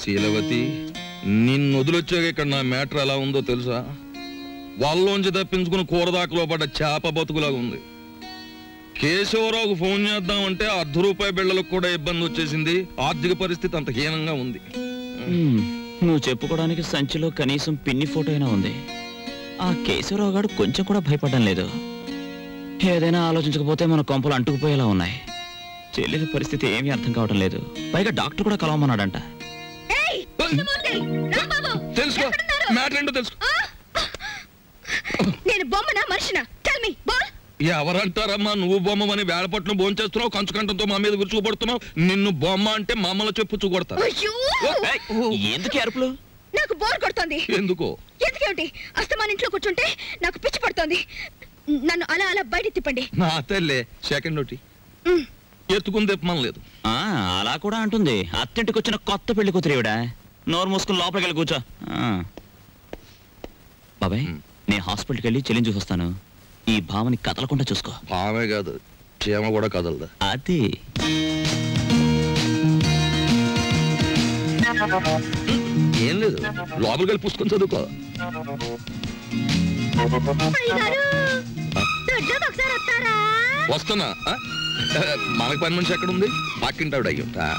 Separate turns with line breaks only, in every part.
శీలవతి, నిన్ను వదిలొచ్చాక ఇక్కడ నా మ్యాటర్ ఎలా ఉందో తెలుసా? వాళ్ళలోంచి తప్పించుకుని కూరదాకలో పడ్డ చేప బతుకులాగా ఉంది. కేశవరావుకు ఫోన్ చేద్దామంటే ₹1/2 బిళ్ళలకు కూడా ఇబ్బంది వచ్చేసింది. ఆర్థిక పరిస్థితి అంత హీనంగా ఉంది.
నువ్వు చెప్పుకోవడానికి సంచిలో కనీసం పిన్ని ఫోటో అయినా ఉంది. ఆ కేశవరావు గారు కొంచెం కూడా భయపడడం లేదు. ఏదైనా ఆలోచించకపోతే మన కొంపలు అంటుకుపోయేలా ఉన్నాయి. చెల్లెల పరిస్థితి ఏమీ అర్థం కావడం లేదు. పైగా డాక్టర్ కూడా కలవమన్నాడంట.
ఎవరంటారమ్మా? నువ్వు బొమ్మని వేళపట్నం భోంచేస్తున్నావు, కంచుకంటంతో మా మీద విరుచుకుపడుతున్నావు. నిన్ను బొమ్మ అంటే మమ్మల్ని చెప్పు కొడతారు.
ఎందుకు అరుపులు?
నాకు బోర్ కొడుతోంది.
ఎందుకో?
ఎందుకేమిటి? అస్తమాన్ ఇంట్లో కూర్చుంటే నాకు పిచ్చి పడుతోంది. నన్ను అలా అలా బయట తిప్పండి.
నా తల్లే సెకండ్ నోటి ఎత్తుకుని తెప్పమని లేదు.
అలా కూడా అంటుంది. అత్తింటికి వచ్చిన కొత్త పెళ్లి కూతురేవిడా. నోరు మూసుకుని లోపలికి వెళ్ళి కూర్చో. బాబాయ్, నేను హాస్పిటల్కి వెళ్ళి చెల్లిని చూసొస్తాను. ఈ భావని కదలకుండా చూసుకో.
భావే కాదు, చీమ కూడా కదలదా.
అది
ఏం లేదు, లోపలికి వెళ్ళి పుస్తకం చదువుకో. వస్తున్నా. మనకు పని మనిషి ఎక్కడ ఉంది? పక్కింటావిడ అయ్యుంటా.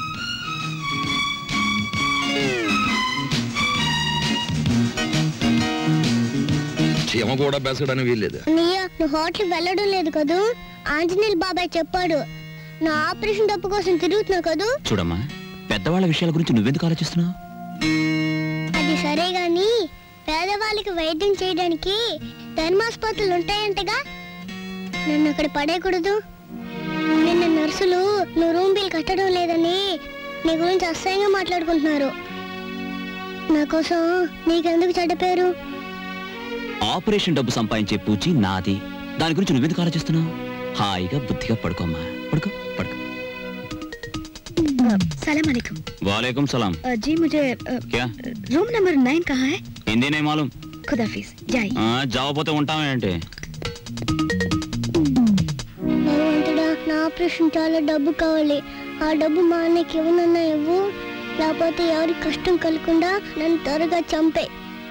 చీమ కూడా బెసడని వీల్లేదు.
హోటల్ వెళ్ళడం లేదు కదూ? ఆంజనేయులు బాబాయ్ చెప్పాడు. నా ఆపరేషన్ డబ్బు కోసం తిరుగుతున్నావు కదూ?
చూడమ్మా, పెద్దవాళ్ళ విషయాల గురించి నువ్వెందుకు ఆలోచిస్తున్నావు?
అది సరే గాని పేదవాళ్ళకి వైద్యం చేయడానికి ధర్మాసుపత్రులు ఉంటాయంటగా, నన్ను అక్కడ పడేయకూడదు. నిన్న నర్సులు నువ్వు రూమ్ బిల్ కట్టడం లేదని నీ గురించి అసహ్యంగా మాట్లాడుకుంటున్నారు. నా కోసం నీకెందుకు చెడ్డ పేరు?
ఆపరేషన్ డబ్బు సంపాదించే పూచి నాది. దాని గురించి నువ్వెందుకు ఆలోచిస్తున్నావు? హాయిగా బుద్ధిగా పడుకోమ్మా. పడుకో పడుకో.
सलाम अलैकुम।
वालेकुम सलाम।
जी मुझे
क्या
रूम नंबर 9 कहाँ है?
हिंदी नहीं मालूम।
खुदाफिज, जाइए।
जाओ పోతే ఉంటామేంటి?
భగవంతుడా, నా ఆపరేషన్ చాలా డబ్బు కావాలి. ఆ డబ్బు మా అన్నకి ఇవ్వనన్నా ఇవ్వు, లేకపోతే ఎవరికి కష్టం కలగకుండా నన్ను త్వరగా చంపే.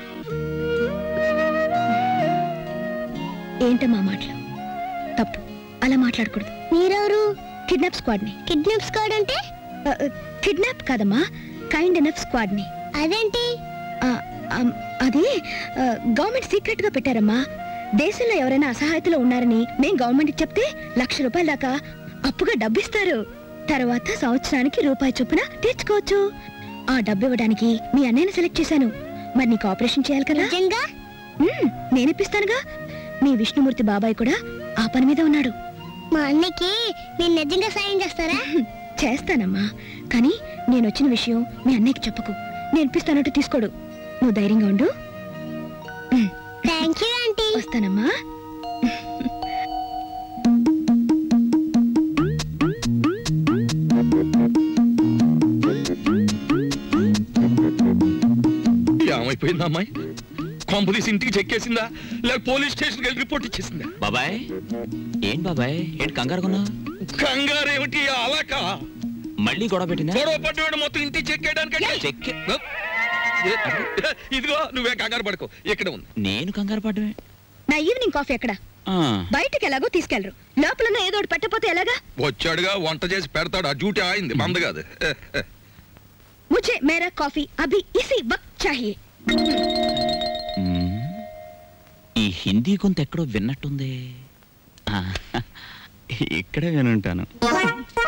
ఏంటమ్మా మాటలు? తప్పు, అలా మాట్లాడకూడదు.
మీరెవరు?
కిడ్నాప్ స్క్వాడ్ ని.
కిడ్నాప్ స్క్వాడ్ అంటే?
కిడ్నాప్ కాదమ్మా, కైండ్ ఎనఫ్ స్క్వాడ్ ని.
అదేంటి?
అది గవర్నమెంట్ సీక్రెట్ గా పెట్టారమ్మా. దేశంలో ఎవరైనా అసహాయతలో ఉన్నారని మేం గవర్నమెంట్ చెప్తే ₹1,00,000 దాకా అప్పుగా డబ్బిస్తారు. తర్వాత సంవత్సరానికి రూపాయి చొప్పున తీర్చుకోవచ్చు. ఆ డబ్బు ఇవ్వడానికి మీ అన్నయ్యని సెలెక్ట్ చేశాను. మరి నీకు ఆపరేషన్ చేయాలి కదా? నేనిప్పిస్తానుగా. మీ విష్ణుమూర్తి బాబాయ్ కూడా ఆ పని మీద ఉన్నాడు.
మా అన్నకి నేను నిజంగా సాయం చేస్తారా?
చేస్తానమ్మా, కానీ నేను వచ్చిన విషయం మీ అన్నయ్యకి చెప్పకు. నేను ఇప్పిస్తానంటూ తీసుకోడు. నువ్వు ధైర్యంగా ఉండు.
Thank you aunty.
వస్తానమ్మా.
ఏమైపోయిందా అమ్మాయి? కాంపులీస్ ఇంటికి చెక్కేసిందా, లేక పోలీస్ స్టేషన్కి వెళ్ళి రిపోర్ట్ ఇచ్చేసిందా?
బాబాయ్ ఏం బాబాయ్, ఏంటి కంగారుకున్నా?
కంగారు ఏమిటి? అలాక
మళ్ళీ గొడవ పెట్టిందా?
గొడవ పడ్డాడు మొత్తం ఇంటికి చెక్కేయడానికి. ఇదిగో నువ్వే కంగారు పడుకో, ఇక్కడ ఉంది.
నేను కంగారు పడ్డమే.
నా ఈవినింగ్ కాఫీ ఎక్కడ? బయటకి ఎలాగో తీసుకెళ్లరు, లోపల ఏదో ఒకటి పెట్టకపోతే ఎలాగా?
వచ్చాడుగా, వంట చేసి పెడతాడు. ఆ డ్యూటీ ఆయింది, మంద కాదు.
ముझे मेरा कॉफी अभी इसी वक्त चाहिए।
ఈ హిందీ కొంత ఎక్కడో విన్నట్టుంది. ఇక్కడే వినుంటాను.